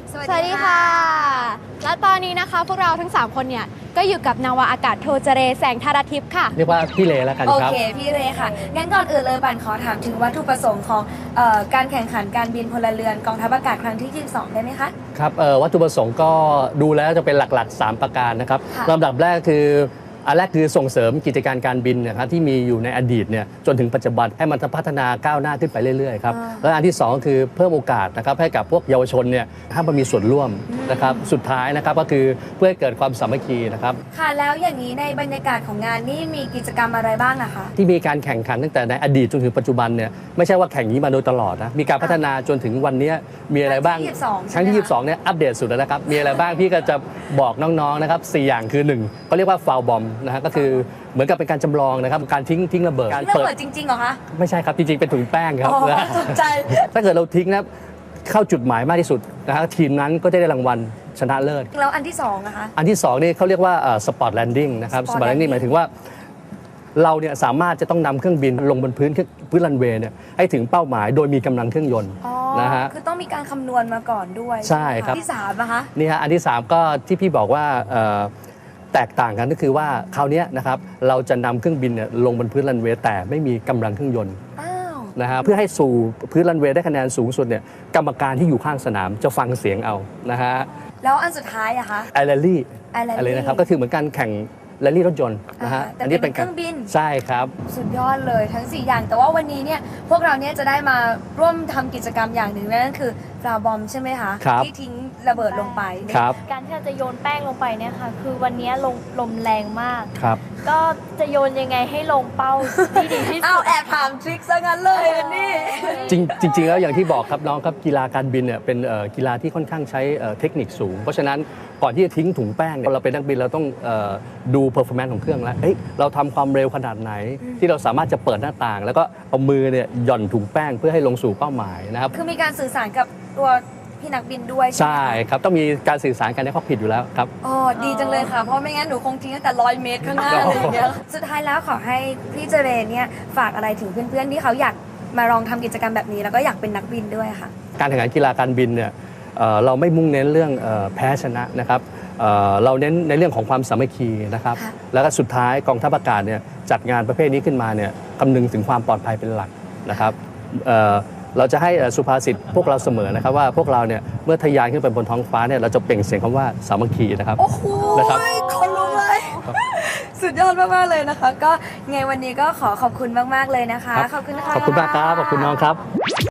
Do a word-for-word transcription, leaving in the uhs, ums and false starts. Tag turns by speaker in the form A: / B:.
A: สวัสดีค่ะ และตอนนี้นะคะพวกเราทั้งสามคนเนี่ยก็อยู่กับนาวาอากาศโทเจเรแสงธารทิพย์ค่ะ
B: เรียกว่าพี่เลแล้วกัน
C: โอ
B: ครับ
C: เคพี่เรค่ะงั้นก่อนอื่นเลยบันขอถามถึงวัตถุประสงค์ของเอ่อการแข่งขันการบินพลเรือนกองทัพอากาศครั้งที่ยี่สิบสองได้ไหมคะ
B: ครับเอ่อวัตถุประสงค์ก็ดูแล้วจะเป็นหลักๆ สาม ประการนะครับ
C: ค่ะ
B: ลำดับแรกคืออันแรกคือส่งเสริมกิจการการบินนะครับที่มีอยู่ในอดีตเนี่ยจนถึงปัจจุบันให้มันพัฒนาก้าวหน้าขึ้นไปเรื่อยๆครับและอันที่สองคือเพิ่มโอกาสนะครับให้กับพวกเยาวชนเนี่ยให้มันมีส่วนร่วมนะครับสุดท้ายนะครับก็คือเพื่อให้เกิดความสามัคคีนะครับ
C: ค่ะแล้วอย่างนี้ในบรรยากาศของงานนี่มีกิจกรรมอะไรบ้างอะคะ
B: ที่มีการแข่งขันตั้งแต่ในอดีตจนถึงปัจจุบันเนี่ยไม่ใช่ว่าแข่งนี้มาโดยตลอดนะมีการพัฒนาจนถึงวันนี้มีอะไรบ้าง
C: ครั้งที่ยี่สิบสอง
B: ครั้งที่ยี่สิบสองเนี่ยอัปเดตสุดแล้วนะครับมีอะไรบ้างพี่ก็จะบอกน้องๆนะครับสี่อย่างคือหนึ่งเขาเรียกว่าฟาวบอมนะฮะก็คือเหมือนกับเป็นการจำลองนะครับการทิ้งทิ้งระเบิดการ
C: ระเบิดจริงๆเหรอคะ
B: ไม่ใช่ครับจริงๆเป็นถุงแป้งครับ
C: อ๋อ
B: นะ
C: สนใจ
B: ถ้าเกิดเราทิ้งนะเข้าจุดหมายมากที่สุดนะฮะทีมนั้นก็จะได้รางวัลชนะเลิศ
C: แล้วอันที่สองนะคะ
B: อันที่สองนี่เขาเรียกว่าสปอร์ตแลนดิ้งนะครับส
C: Spot
B: ปอร์ตแลนดิ้ง
C: landing
B: หมายถึงว่าเราเนี่ยสามารถจะต้องนำเครื่องบินลงบนพื้นพื้นรันเวย์เนี่ยให้ถึงเป้าหมายโดยมีกำลังเครื่องยนต์
C: อ๋อ
B: นะฮะ
C: คือต้องมีการคำนวณมาก่อนด้วย
B: ใช่ครับ
C: ที่สามนะคะ
B: นี่ฮะอันที่สามก็ที่พี่บอกว่าเอ่อแตกต่างกันก็คือว่าคราวเนี้ยนะครับเราจะนำเครื่องบินเนี่ยลงบนพื้นรันเวย์แต่ไม่มีกำลังเครื่องยนต์
C: อ้าว
B: นะฮะเพื่อให้สู่พื้นรันเวย์ได้คะแนนสูงสุดเนี่ยกรรมการที่อยู่ข้างสนามจะฟังเสียงเอานะฮะ
C: แล้วอันสุดท้ายอะคะ
B: ไอแรลลี่
C: Rally
B: อะไรนะครับก็คือเหมือนการแข่งแรลลี่รถยนต์นะฮะ
C: อ่าแต่เป็นเครื่องบิน
B: ใช่ครับ
C: สุดยอดเลยทั้งสี่อย่างแต่ว่าวันนี้เนี่ยพวกเราเนี่ยจะได้มาร่วมทำกิจกรรมอย่างหนึ่งนั่นคือฟลาบอมใช่ไหมคะ
B: ครับ
C: ที่ทิ้งระเบิดลงไป
B: ครับ
D: การที่เราจะโยนแป้งลงไปเนี่ยค่ะคือวันนี้ลมลมแรงมาก
B: ครับ
D: ก็จะโยนยังไงให้ลงเป้าที่ดีที่
C: อ้า
D: สุ
C: ว
D: ด
C: แอบถามทริคซะงั้นเลยอันนี่
B: จริงจริงๆแล้วอย่างที่บอกครับน้องครับกีฬาการบินเนี่ยเป็นเอ่อกีฬาที่ค่อนข้างใช้เอ่อเทคนิคสูง เพราะฉะนั้นก่อนที่จะทิ้งถุงแป้งเนี่ยเราเป็นนักบินเราต้องเอ่อดูเพอร์ฟอร์แมนซ์ของเครื่องแล้วเอ้ยเราทำความเร็วขนาดไหน ที่เราสามารถจะเปิดหน้าต่าง แล้วก็เอามือเนี่ยหย่อนถุงแป้งเพื่อให้ลงสู่เป้าหมายนะครับ
C: คือมีการสื่อสารกับตัวพี่นักบินด้วยใช่
B: ใช่
C: ไหมคะ
B: ครับต้องมีการสื่อสารกันในข้อกผิดอยู่แล้วครับ
C: อ๋อดีจังเลยค่ะ เพราะไม่งั้นหนูคงทิ้งตั้งแต่ร้อยเมตรข้างหน้าอะไรอย่างเงี้ยสุดท้ายแล้วขอให้พี่เจเรเนี่ยฝากอะไรถึงเพื่อนๆที่เขาอยากมาลองทำกิจกรรมแบบนี้ แล้วก็อยากเป็นนักบินด้วยค่ะ
B: การแข่งขันกีฬาการบินเนี่ยเอ่อเราไม่มุ่งเน้นเรื่องเอ่อแพ้ชนะนะครับเอ่อเราเน้นในเรื่องของความสามัคคีนะครับ
C: ค่ะ
B: แล้วก็สุดท้ายกองทัพอากาศเนี่ยจัดงานประเภทนี้ขึ้นมาเนี่ยคำนึงถึงความปลอดภัยเป็นหลักนะครับเอ่อเราจะให้สุภาษิตพวกเราเสมอนะครับว่าพวกเราเนี่ยเมื่อทะยานขึ้นไปบนท้องฟ้าเนี่ยเราจะเปล่งเสียงคำว่าสามัคคีนะครับ
C: โอ้โห
B: นะครับ
C: คนลุกเลย สุดยอดมากๆเลยนะคะ ก็ไงวันนี้ก็ขอขอบคุณมากๆเลยนะคะ
B: ครับ
C: ขอบคุณนะคะ
B: ขอบคุณมากครับขอบคุณน้องครับ